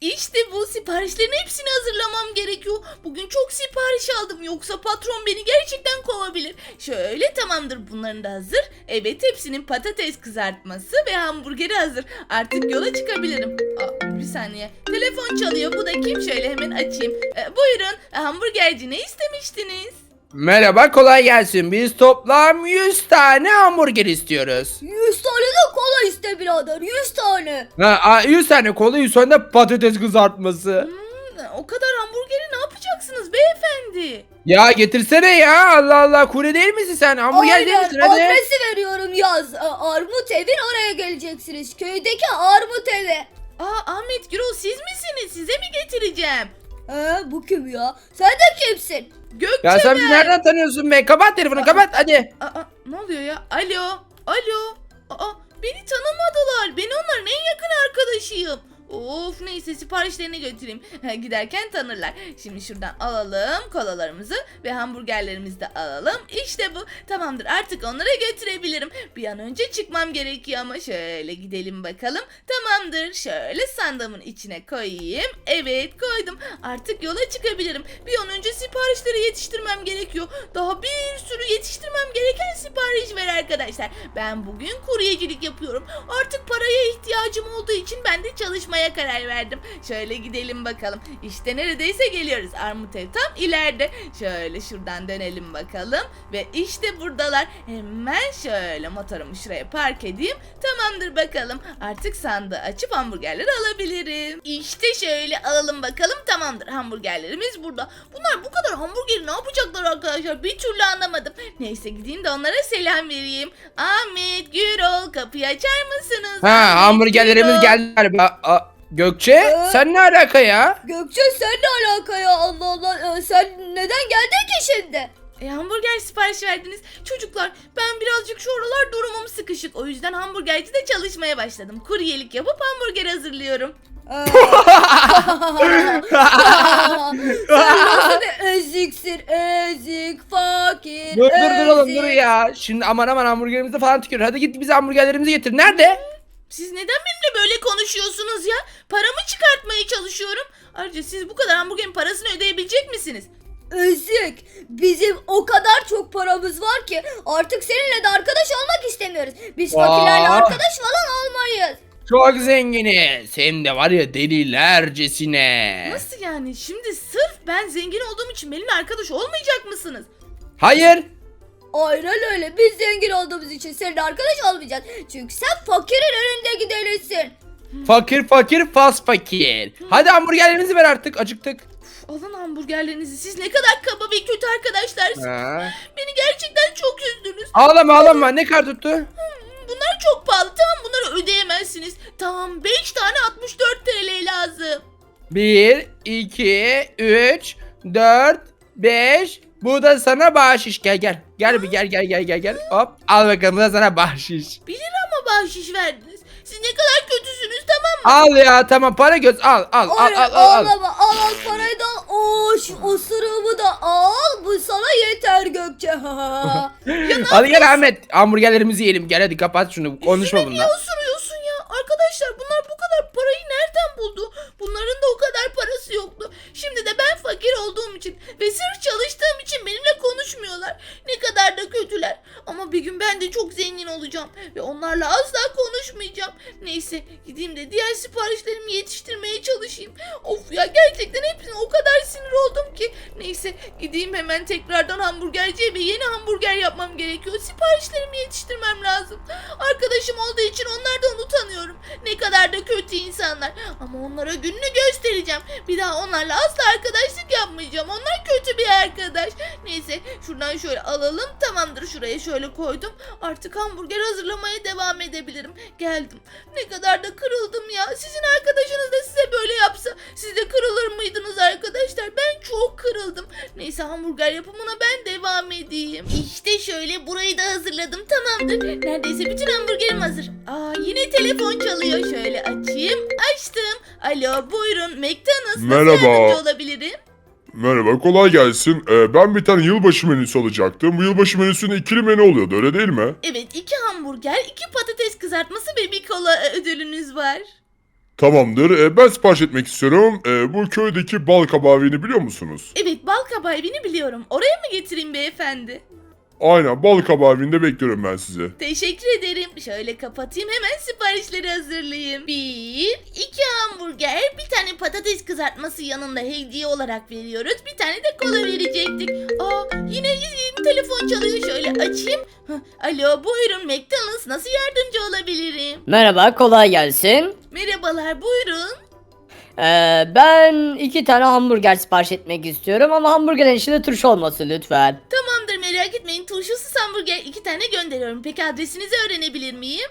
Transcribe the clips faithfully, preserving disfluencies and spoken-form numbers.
İşte bu siparişlerin hepsini hazırlamam gerekiyor. Bugün çok sipariş aldım yoksa patron beni gerçekten kovabilir. Şöyle tamamdır bunların da hazır. Evet hepsinin patates kızartması ve hamburgeri hazır. Artık yola çıkabilirim. Aa, bir saniye. Telefon çalıyor bu da kim şöyle hemen açayım. Ee, buyurun hamburgerci ne istemiştiniz? Merhaba, kolay gelsin. Biz toplam yüz tane hamburger istiyoruz. Yüz tane de kola iste birader. Yüz tane. Ha, a- yüz tane kola, yüz tane de patates kızartması. Hmm, o kadar hamburgeri ne yapacaksınız beyefendi? Ya getirsene ya. Allah Allah, kure değil misin sen? Hamburger değil Aynen, misin? Hadi. adresi veriyorum yaz. A- Armut evin oraya geleceksiniz. Köydeki Armut evi. Aa Ahmet Gürol siz misiniz? Size mi getireceğim? He, bu kim ya? Sen de kimsin? Gökçe Ya sen bizi ben. nereden tanıyorsun be? Kapat telefonu, kapat hadi. Aa, ne oluyor ya? Alo, alo. Aa, beni tanımadılar. Ben onların en yakın arkadaşıyım. Of neyse siparişlerini götüreyim. Giderken tanırlar. Şimdi şuradan alalım kolalarımızı ve hamburgerlerimizi de alalım. İşte bu. Tamamdır artık onlara götürebilirim. Bir an önce çıkmam gerekiyor ama şöyle gidelim bakalım. Tamamdır. Şöyle sandığımın içine koyayım. Evet koydum. Artık yola çıkabilirim. Bir an önce siparişleri yetiştirmem gerekiyor. Daha bir sürü yetiştirmem gereken sipariş var arkadaşlar. Ben bugün kuryecilik yapıyorum. Artık paraya ihtiyacım olduğu için ben de çalışmaya karar verdim. Şöyle gidelim bakalım. İşte neredeyse geliyoruz. Armut ev tam ileride. Şöyle şuradan dönelim bakalım. Ve işte buradalar. Hemen şöyle motorumu şuraya park edeyim. Tamamdır bakalım. Artık sandığı açıp hamburgerleri alabilirim. İşte şöyle alalım bakalım. Tamamdır. Hamburgerlerimiz burada. Bunlar bu kadar hamburgeri ne yapacaklar arkadaşlar? Bir türlü anlamadım. Neyse gideyim de onlara selam vereyim. Ahmet, Gürol kapıyı açar mısınız? Ha, Ahmet, hamburgerlerimiz Gürol. geldi galiba. Aa, Gökçe Ee? sen ne alaka ya? Gökçe sen ne alaka ya? Allah Allah. Ee, sen neden geldin ki şimdi? E, hamburger sipariş verdiniz. Çocuklar ben birazcık şu aralar durumum sıkışık. O yüzden hamburgercide çalışmaya başladım. Kuryelik yapıp hamburger hazırlıyorum. Ee, sen nasıl bir eziksin? Ezik, fakir, Dur dur dur oğlum, ezik. dur ya. Şimdi aman aman hamburgerimizi falan tükür. Hadi git bize hamburgerlerimizi getir. Nerede? Siz neden benimle böyle konuşuyorsunuz ya? Paramı çıkartmaya çalışıyorum. Ayrıca siz bu kadar hamburgerin parasını ödeyebilecek misiniz? Ezik. Bizim o kadar çok paramız var ki artık seninle de arkadaş olmak istemiyoruz. Biz fakirlerle Aa. arkadaş falan olmayız. Çok zenginiz. Hem de var ya delilercesine. Nasıl yani? Şimdi sırf ben zengin olduğum için benimle arkadaş olmayacak mısınız? Hayır. Aynen öyle. Biz zengin olduğumuz için seninle arkadaş olmayacağız. Çünkü sen fakirin önünde giderisin. Fakir fakir fas fakir. Hadi hamburgerlerimizi ver artık, acıktık. Uf, alın hamburgerlerinizi. Siz ne kadar kaba ve kötü arkadaşlarsınız. Ha. Beni gerçekten çok üzdünüz. Ağlama ağlama, ne kadar tuttu? Bunlar çok pahalı. Tamam bunları ödeyemezsiniz. Tamam beş tane altmış dört T L lazım. bir, iki, üç, dört, beş. Bu da sana bahşiş. Gel gel. Gel bir gel gel gel gel gel. Hop. Al bakalım, bu da sana bahşiş. bir lira mı bahşiş verdiniz? Siz ne kadar kötüsünüz tamam mı? Al ya, tamam, para göz al al al Aynen, al al. al. ağlama. Al al parayı da al. Oo, şu osuruğumu da al. Bu sana yeter Gökçe. Hadi gel Ahmet, hamburgerlerimizi yiyelim. Gel hadi, kapat şunu, konuşma Yüzüme niye bununla. osuruyorsun ya? Arkadaşlar bunlar bu kadar parayı nereden buldu? Bunların da o kadar parası yoktu. Şimdi de ben fakir olduğum için ve sırf çalıştığım için benimle konuşmuyorlar. Ne kadar da kötüler. Ama bir gün ben de çok zengin olacağım ve onlarla asla konuşmayacağım. Neyse gideyim de diğer siparişlerimi yetiştirmeye çalışayım. Of ya gerçekten hepsine o kadar sinir oldum ki. Neyse gideyim hemen tekrardan hamburgerciye ve yeni hamburger yapmam gerekiyor. Siparişlerimi yetiştirmem lazım. Arkadaşım olduğu için onlardan utanıyorum. Ne kadar da kötü insanlar. Ama onlara gününü göstereceğim. Bir daha onlarla asla arkadaşlık yapmayacağım. Onlar kötü bir arkadaş. Neyse şuradan şöyle alalım. Tamamdır, şuraya şöyle koydum. Artık hamburger hazırlamaya devam edebilirim. Geldim. Ne kadar da kırıldım ya. Sizin arkadaşınız da size böyle yapsa siz de kırılır mıydınız arkadaşlar? Ben çok kırıldım. Neyse hamburger yapımına ben devam edeyim. İşte şöyle burayı da hazırladım. Tamamdır. Neredeyse bütün hamburgerim hazır. Aa yine telefon çalıyor. Şöyle açayım. Açtım. Alo buyurun. McDonald's. Nasıl Merhaba. yardımcı olabilirim? Merhaba, kolay gelsin. Ee, ben bir tane yılbaşı menüsü alacaktım. Bu yılbaşı menüsünde ikili menü oluyordu, öyle değil mi? Evet iki hamburger, iki patates kızartması ve bir kola e, ödülünüz var. Tamamdır. E, ben sipariş etmek istiyorum. E, bu köydeki bal kabağı evini biliyor musunuz? Evet, bal kabağı evini biliyorum. Oraya mı getireyim beyefendi? Aynen, bal kabağı evinde bekliyorum ben sizi. Teşekkür ederim. Şöyle kapatayım, hemen siparişleri hazırlayayım. Bir, iki hamburger, bir tane patates kızartması yanında hediye olarak veriyoruz. Bir tane de kola verecektik. Aa, yine yine telefon çalıyor. Şöyle açayım. Hah, alo, buyurun McDonald's. Nasıl yardımcı olabilirim? Merhaba, kolay gelsin. Merhabalar, buyurun. Ee, ben iki tane hamburger sipariş etmek istiyorum ama hamburgerin içinde turşu olmasın lütfen. Tamamdır, merak etmeyin. Turşusuz hamburger iki tane gönderiyorum. Peki adresinizi öğrenebilir miyim?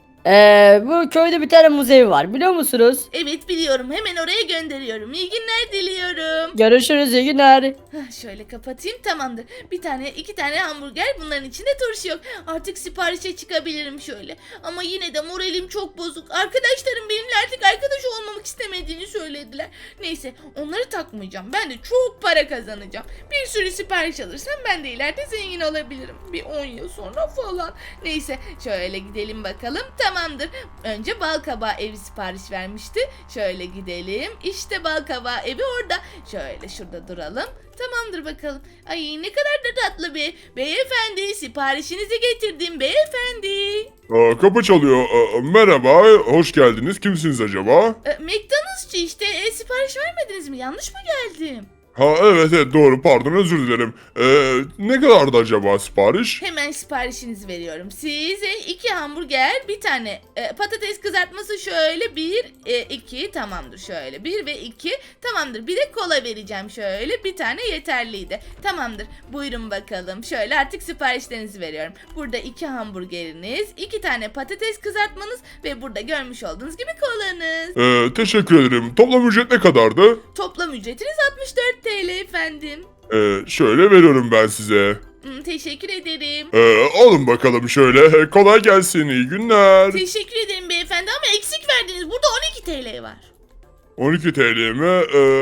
Ee, bu köyde bir tane müze var, biliyor musunuz? Evet, biliyorum. Hemen oraya gönderiyorum. İyi günler diliyorum. Görüşürüz, iyi günler. Hah, şöyle kapatayım, tamamdır. Bir tane iki tane hamburger, bunların içinde turşu yok. Artık siparişe çıkabilirim şöyle. Ama yine de moralim çok bozuk. Arkadaşlarım benimle artık arkadaş olmamak istemediğini söylediler. Neyse, onları takmayacağım. Ben de çok para kazanacağım. Bir sürü sipariş alırsam ben de ileride zengin olabilirim. Bir on yıl sonra falan. Neyse, şöyle gidelim bakalım. Tamamdır. Önce bal kabağı evi sipariş vermişti. Şöyle gidelim. İşte bal kabağı evi orada. Şöyle şurada duralım. Tamamdır bakalım. Ay, ne kadar da tatlı bir. Beyefendi, siparişinizi getirdim beyefendi. Aa, kapı çalıyor. Aa, merhaba, hoş geldiniz. Kimsiniz acaba? E, McDonald'sçı işte. E, sipariş vermediniz mi? Yanlış mı geldim? Ha, evet evet, doğru, pardon, özür dilerim. Ee, ne kadardı acaba sipariş? Hemen siparişinizi veriyorum. Size iki hamburger, bir tane e, patates kızartması, şöyle bir, e, iki, tamamdır şöyle bir ve iki, tamamdır. Bir de kola vereceğim şöyle, bir tane yeterliydi. Tamamdır. Buyurun bakalım. Şöyle artık siparişlerinizi veriyorum. Burada iki hamburgeriniz, iki tane patates kızartmanız ve burada görmüş olduğunuz gibi kolanız. Ee, teşekkür ederim. Toplam ücret ne kadardı? Toplam ücretiniz altmış dört TL efendim. Ee, şöyle veriyorum ben size. Hmm, teşekkür ederim. Ee, alın bakalım şöyle. Kolay gelsin, iyi günler. Teşekkür ederim beyefendi ama eksik verdiniz. Burada on iki TL var. on iki T L mi?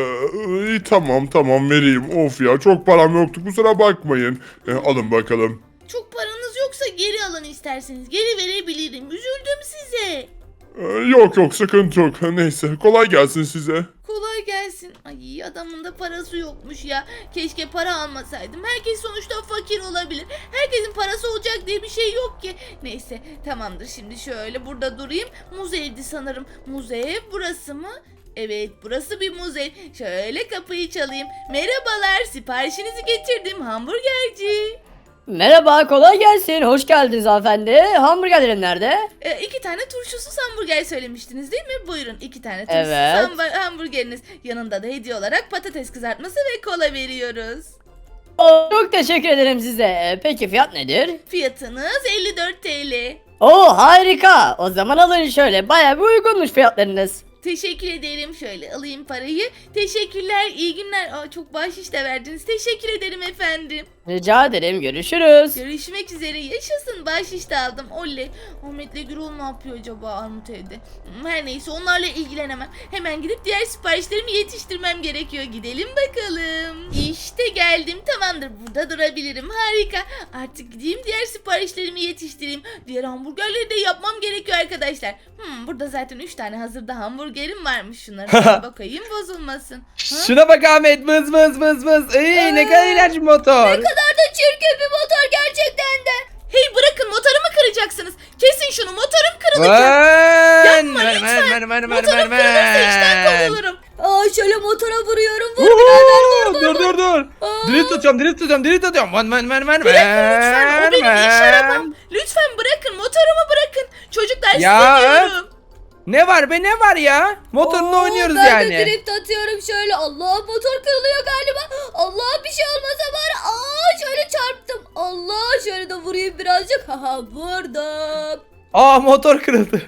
Ee, iyi, tamam tamam vereyim. Of ya, çok param yoktu, kusura bakmayın. Ee, alın bakalım. Çok paranız yoksa geri alın isterseniz. Geri verebilirim. Üzüldüm size. Ee, yok yok, sıkıntı yok. Neyse, kolay gelsin size. Kolay gelsin. Ay, adamın da parası yokmuş ya. Keşke para almasaydım. Herkes sonuçta fakir olabilir. Herkesin parası olacak diye bir şey yok ki. Neyse, tamamdır. Şimdi şöyle burada durayım. Muzeydi sanırım. Muzey burası mı? Evet, burası bir muzey. Şöyle kapıyı çalayım. Merhabalar, siparişinizi getirdim hamburgerci. Merhaba, kolay gelsin. Hoş geldiniz hanımefendi. Hamburgerlerim nerede? E, iki tane turşusuz hamburger söylemiştiniz değil mi? Buyurun, iki tane turşusuz Evet. hamba- hamburgeriniz. Yanında da hediye olarak patates kızartması ve kola veriyoruz. Oo, çok teşekkür ederim size. Ee, Peki fiyat nedir? Fiyatınız elli dört TL. Oo, harika. O zaman alın şöyle. Bayağı bir uygunmuş fiyatlarınız. Teşekkür ederim. Şöyle alayım parayı. Teşekkürler. İyi günler. Aa, çok bahşiş de verdiniz. Teşekkür ederim efendim. Rica ederim. Görüşürüz. Görüşmek üzere. Yaşasın. Bahşiş de aldım. Oley. Ahmet'le Gürol ne yapıyor acaba Armut evde? Hmm, Her neyse, onlarla ilgilenemem. Hemen gidip diğer siparişlerimi yetiştirmem gerekiyor. Gidelim bakalım. İşte geldim. Tamamdır. Burada durabilirim. Harika. Artık gideyim diğer siparişlerimi yetiştireyim. Diğer hamburgerleri de yapmam gerekiyor arkadaşlar. Hmm, burada zaten üç tane hazırda hamburgerim varmış. Şunlara bir bakayım, bozulmasın. Ha? Şuna bak Ahmet, vız vız vız vız. Ey, ne kadar iğrenç bir motor. Ne kadar da çirkin bir motor gerçekten de. Hey, bırakın, motorumu kıracaksınız. Kesin şunu, motorum kırılacak. Lan! Yapma Ver, lütfen. ver, ver, ver, ver, Motorum ver, kırılırsa işten ver. kovulurum. Aa, şöyle motora vuruyorum. Vur birader, vur vur. Dur dur dur. Aa. Drift tutuyorum, drift tutuyorum, drift tutuyorum. Ver, ver, ver, ver, Bırakın lütfen, o benim iş ver. arabam. Lütfen bırakın, motorumu bırakın. Çocuklar, Ya, size diyorum. Ne var be, ne var ya? Motorla Oo, oynuyoruz ben yani. de drift atıyorum şöyle. Allah, motor kırılıyor galiba. Allah, bir şey olmasa bari. Aa, şöyle çarptım. Allah, şöyle de vurayım birazcık. Haha, vurdum. Aa, motor kırıldı.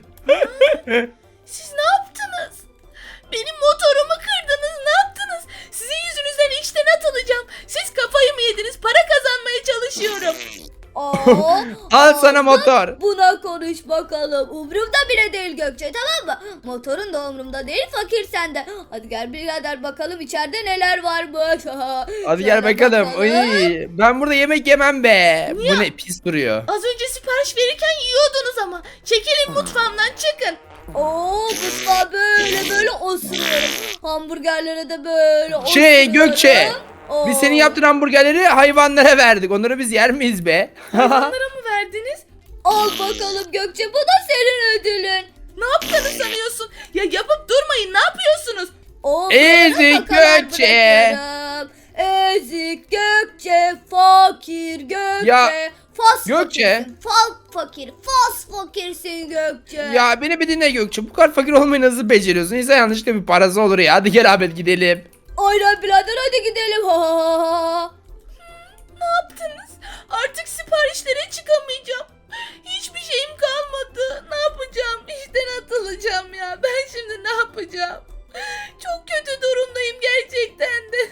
Siz ne yaptınız? Benim motorumu kırdınız, ne yaptınız? Sizin yüzünüzden işten atılacağım. Siz kafayı mı yediniz? Para kazanmaya çalışıyorum. Aa, Al sana aa, motor. Buna konuş bakalım. Umrumda bile değil Gökçe, tamam mı? Motorun da umrumda değil, fakir sende. Hadi gel birader, bakalım içeride neler varmış. Hadi gel Şöyle bakalım. Ay, ben burada yemek yemem be. Niye? Bu ne pis duruyor. Az önce sipariş verirken yiyordunuz ama. Çekilin mutfağımdan, çıkın. Oo mutfağı böyle böyle osuruyorum. Hamburgerlere de böyle osuruyorum. Şey Gökçe. Oo. Biz senin yaptığın hamburgerleri hayvanlara verdik. Onları biz yer miyiz be? Onlara mı verdiniz? Al bakalım Gökçe, bu da senin ödülün. Ne yaptığını sanıyorsun? Ya yapıp durmayın, ne yapıyorsunuz? O Ezik kakalar Gökçe. bırakırım. Ezik Gökçe, fakir Gökçe. Ya, fas Gökçe. fakirsin, fal fakir, fas fakirsin Gökçe. Ya beni bir dinle Gökçe. Bu kadar fakir olmayı nasıl beceriyorsun? İnsan yanlışlıkla bir parası olur ya. Hadi gel Ahmet gidelim. Aynen birader, hadi gidelim. Ha, ha, ha, ha. Ne yaptınız? Artık siparişlere çıkamayacağım. Hiçbir şeyim kalmadı. Ne yapacağım? İşten atılacağım ya. Ben şimdi ne yapacağım? Çok kötü durumdayım gerçekten de.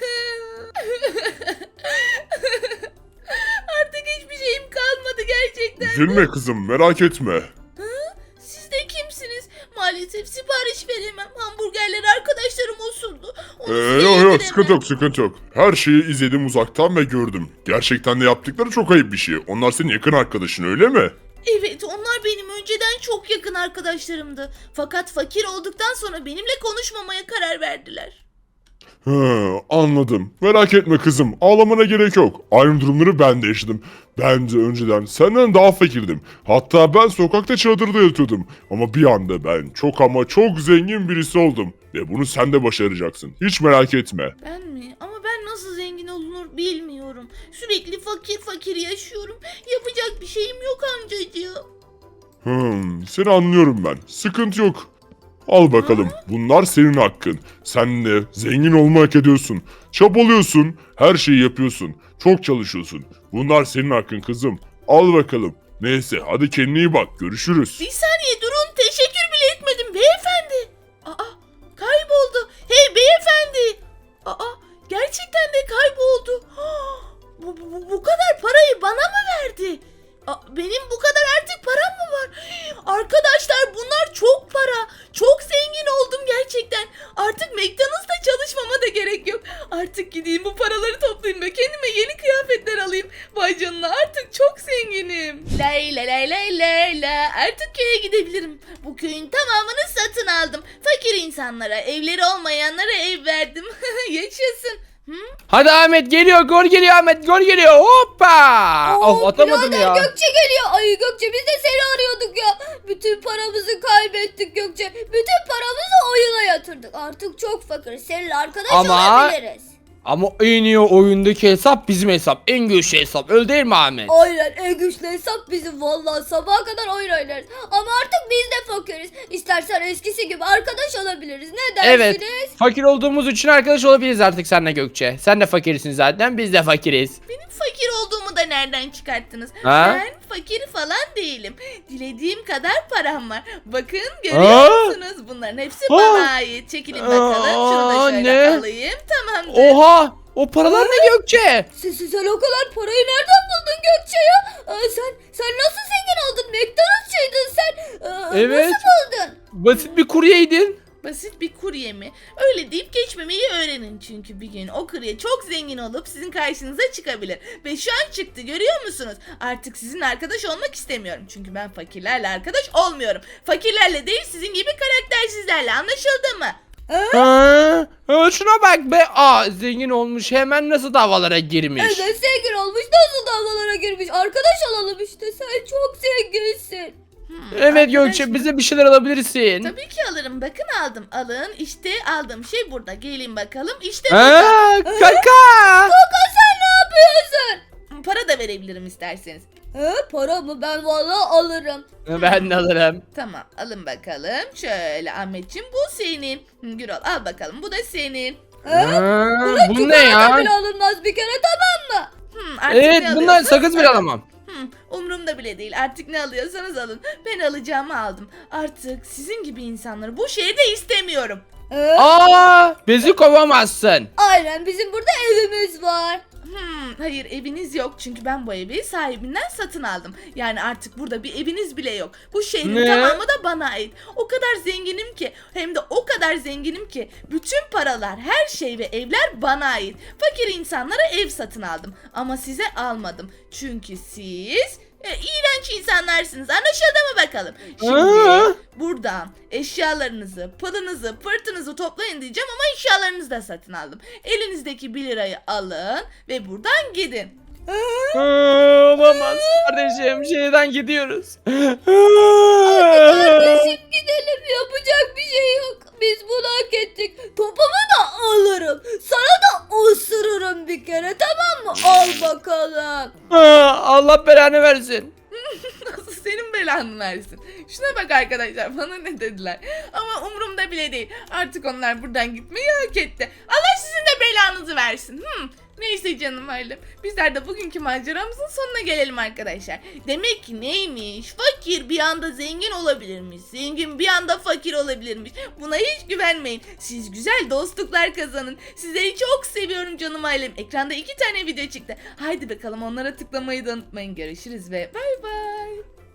Artık hiçbir şeyim kalmadı gerçekten. Üzülme kızım, merak etme. Siz de kimsiniz? Maalesef sipariş veremem. Hamburgerleri arkadaşlarım usuldu. Onu Ee, size yok yok, yediremem. sıkıntı yok, sıkıntı yok. Her şeyi izledim uzaktan ve gördüm. Gerçekten de yaptıkları çok ayıp bir şey. Onlar senin yakın arkadaşın, öyle mi? Evet, onlar benim önceden çok yakın arkadaşlarımdı. Fakat fakir olduktan sonra benimle konuşmamaya karar verdiler. He, anladım. Merak etme kızım. Ağlamana gerek yok. Aynı durumları ben de yaşadım. Ben de önceden senden daha fakirdim. Hatta ben sokakta çadırda yatıyordum. Ama bir anda ben çok ama çok zengin birisi oldum. Ve bunu sen de başaracaksın. Hiç merak etme. Ben mi? Ama ben nasıl zengin olunur bilmiyorum. Sürekli fakir fakir yaşıyorum. Yapacak bir şeyim yok amcacığım. Hmm, seni anlıyorum ben. Sıkıntı yok. Al bakalım. Bunlar senin hakkın. Sen de zengin olmak hak ediyorsun. Çabalıyorsun. Her şeyi yapıyorsun. Çok çalışıyorsun. Bunlar senin hakkın kızım. Al bakalım. Neyse hadi kendine iyi bak. Görüşürüz. Bir saniye durun, teşekkür bile etmedim beyefendi. Aa, kayboldu. Hey beyefendi. Aa, gerçekten de kayboldu. Bu, bu, bu kadar parayı bana mı verdi? Aa, benim bu kadar artık param mı var? Arkadaşlar bunlar çok para. Çok zengin oldum gerçekten. Artık McDonald's'ta çalışmama da gerek yok. Artık gideyim bu paraları toplayayım ve kendime yeni kıyafetler alayım. Vay canına, artık çok zenginim. Lay lay lay lay lay la. Artık köye gidebilirim. Bu köyün tamamını satın aldım. Fakir insanlara, evleri olmayanlara ev verdim. Yaşasın. Hı? Hadi Ahmet geliyor. Gol geliyor Ahmet. Gol geliyor. Hoppa. Oo, Of atamadım birader, ya. Gökçe geliyor. Ay Gökçe, biz de seni arıyorduk ya. Bütün paramızı kaybettik Gökçe. Bütün paramızı oyuna yatırdık. Artık çok fakir. Seninle arkadaş Ama- olabiliriz. Ama en iyi oyundaki hesap bizim hesap. En güçlü hesap. Öyle değil mi Ahmet? Aynen, en güçlü hesap bizim, vallahi sabaha kadar oyun oynarız. Ama artık biz de fakiriz. İstersen eskisi gibi arkadaş olabiliriz. Ne dersiniz? Evet. Fakir olduğumuz için arkadaş olabiliriz artık seninle Gökçe. Sen de fakirsin zaten. Biz de fakiriz. Benim fakir olduğumu da nereden çıkarttınız? Ha? Ben fakir falan değilim. Dilediğim kadar param var. Bakın görüyor musunuz? Bunların hepsi Ha? bana ait. Çekilin bakalım. Şunu da Aa, şöyle ne? alayım. Tamamdır. Oha! O paralar ne Gökçe? Sen, sen, sen o kadar parayı nereden buldun Gökçe ya? Aa, sen sen nasıl zengin oldun? McDonald'sçıydın sen. Aa, Evet. Nasıl buldun? Basit bir kuryeydin. Basit bir kurye mi? Öyle deyip geçmemeyi öğrenin çünkü bir gün o kurye çok zengin olup sizin karşınıza çıkabilir. Ve şu an çıktı, görüyor musunuz? Artık sizin arkadaş olmak istemiyorum. Çünkü ben fakirlerle arkadaş olmuyorum. Fakirlerle değil, sizin gibi karaktersizlerle, anlaşıldı mı? Ha? Ha, şuna bak be. Aa zengin olmuş. Hemen nasıl davalara girmiş. Evet, zengin olmuş. Nasıl davalara girmiş? Arkadaş olalım işte. Sen çok zenginsin. Hmm, Evet arkadaş Gökçe mı? bize bir şeyler alabilirsin. Tabii ki alırım. Bakın aldım. Alın. İşte aldığım şey burada. Gelin bakalım. İşte burada. Ha, kaka. Kaka, sen ne yapıyorsun? Para da verebilirim isterseniz. He, para mı? Ben vallahi alırım. Ben de alırım. Tamam, alın bakalım. Şöyle Ahmetciğim, bu senin. Hı, Gürol al bakalım, bu da senin. He? Ha, bu ne Çikolata ya? bile alınmaz bir kere, tamam mı? Hmm, artık Evet ne bundan alıyorsanız sakız bile alın. alamam. Hmm, umurumda bile değil. Artık ne alıyorsanız alın. Ben alacağımı aldım. Artık sizin gibi insanları bu şehirde istemiyorum. He? Aa bizi kovamazsın. Aynen, bizim burada evimiz var. Hmm, hayır, eviniz yok çünkü ben bu evi sahibinden satın aldım. Yani artık burada bir eviniz bile yok. Bu şehrin Ne? tamamı da bana ait. O kadar zenginim ki, hem de o kadar zenginim ki bütün paralar, her şey ve evler bana ait. Fakir insanlara ev satın aldım ama size almadım. Çünkü siz E, iğrenç insanlarsınız. Anlaşıldı mı bakalım? Şimdi Aa! buradan eşyalarınızı, pılınızı, pırtınızı toplayın diyeceğim ama eşyalarınızı da satın aldım. Elinizdeki bir lirayı alın ve buradan gidin. Aa, olamaz kardeşim. Şeyden gidiyoruz. Kardeşim gidelim, yapacak bir şey yok. Biz bunu hak ettik. Topumu da alırım. Sana da ısırırım bir kere, tamam mı? Al bakalım. Aa, Allah belanı versin. Nasıl senin belanı versin. Şuna bak arkadaşlar, bana ne dediler. Ama umurumda bile değil. Artık onlar buradan gitmeyi hak etti. Allah sizin de belanızı versin. Hmm. Neyse canım ailem. Bizler de bugünkü maceramızın sonuna gelelim arkadaşlar. Demek ki neymiş? Fakir bir anda zengin olabilirmiş. Zengin bir anda fakir olabilirmiş. Buna hiç güvenmeyin. Siz güzel dostluklar kazanın. Sizleri çok seviyorum canım ailem. Ekranda iki tane video çıktı. Haydi bakalım onlara tıklamayı da unutmayın. Görüşürüz ve bay bay.